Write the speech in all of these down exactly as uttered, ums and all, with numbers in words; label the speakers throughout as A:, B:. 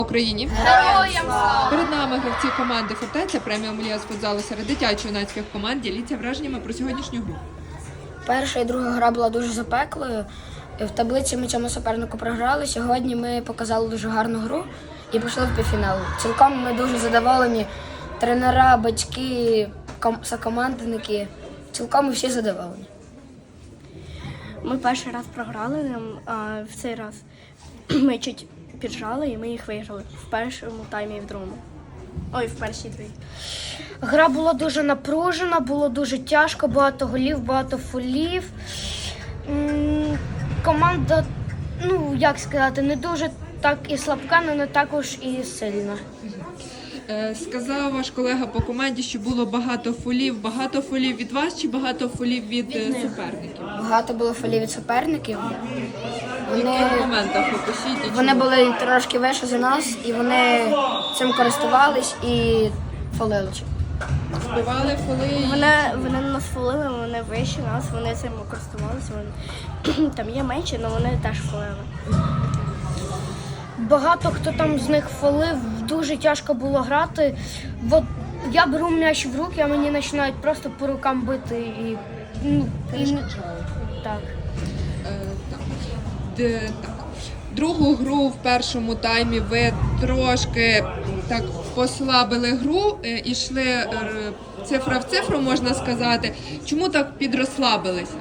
A: Україні.
B: Героям слава!
A: Перед нами гравці команди «Фортеця», преміум ліга з футзалу серед дитячо-юнацьких команд. Діліться враженнями про сьогоднішню гру.
B: Перша і друга гра була дуже запеклою. В таблиці ми цьому супернику програли. Сьогодні ми показали дуже гарну гру і пішли в півфінал. Цілком ми дуже задоволені. Тренера, батьки, ком- сокомандники. Цілком ми всі задоволені.
C: Ми перший раз програли, нам, а в цей раз ми чуть піджали і ми їх виграли в першому таймі і в другому. Ой, в першій дві.
D: Гра була дуже напружена, було дуже тяжко, багато голів, багато фолів. М, Команда, ну як сказати, не дуже так і слабка, але не також і сильна.
A: Е, Сказав ваш колега по команді, що було багато фолів. Багато фолів від вас чи багато фолів від, е, суперників?
B: Багато було фолів від суперників.
A: В
B: Вони,
A: яких моментах опишіть? і
B: вони
A: чому?
B: були трошки вище за нас, і вони цим користувались і фолили.
A: Збивали фоли. і-
C: Вони, вони нас фолили, вони вищі нас, вони цим користувалися. Вони... Там є менші, але вони теж фолили.
D: Багато хто там з них фолив, дуже тяжко було грати. От я беру м'яч в руки, а мені починають просто по рукам бити і, ну, і не- так.
A: Е, так. Д- так. Другу гру в першому таймі ви трошки так послабили гру, е, і йшли е, цифра в цифру, можна сказати. Чому так підрослабилися?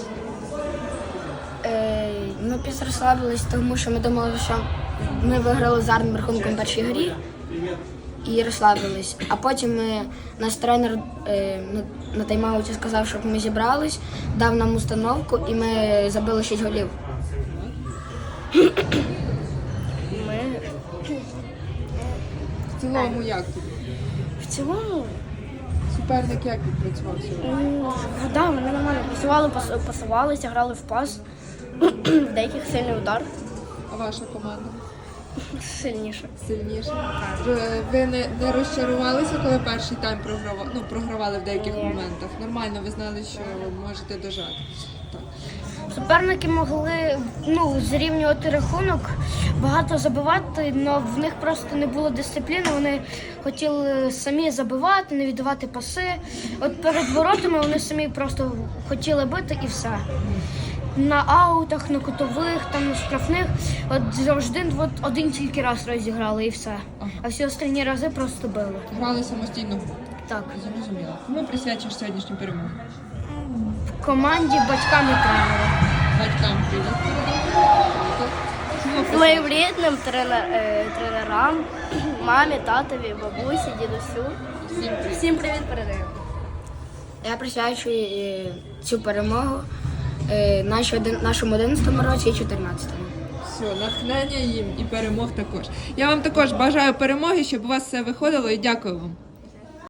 B: Е, Ми підрослабились, тому що ми думали, що ми виграли з гарним рахунком в першій грі і розслабились. А потім ми, наш тренер е, на, на тайм-ауті сказав, щоб ми зібрались, дав нам установку і ми забили шість голів.
C: Ми
A: В цілому як тут?
C: в цілому,
A: Суперник як відпрацював сьогодні?
C: ну, да, вони нормально працювали, пас- пасувалися, грали в пас. В деяких сильний удар,
A: А ваша команда
C: сильніше.
A: сильніше? Р- Ви не, не розчарувалися, коли перший тайм програвали, ну, програвали в деяких моментах? Нормально, ви знали, що ви можете дожати. Так.
D: Суперники могли ну, зрівнювати рахунок, багато забивати, але в них просто не було дисципліни. Вони хотіли самі забивати, не віддавати паси. От перед воротами вони самі просто хотіли бити і все. На аутах, на кутових, там на штрафних, от завжди от один тільки раз розіграли і все. А всі останні рази просто били.
A: Грали самостійно.
D: Так.
A: Зрозуміло. Кому присвячуєш сьогоднішню перемогу?
D: В команді батькам і тренерам.
A: Батькам привіт. Чому присвячуєш?
C: Моїм рідним тренер, е, тренерам, мамі, татові, бабусі, дідусю.
A: Всім привіт.
C: Всім привіт передаю.
B: Я присвячую е, цю перемогу е, нашій один- нашому одинадцятому році і чотирнадцятому.
A: Все, натхнення їм і перемог також. Я вам також бажаю перемоги, щоб у вас все виходило, і дякую вам.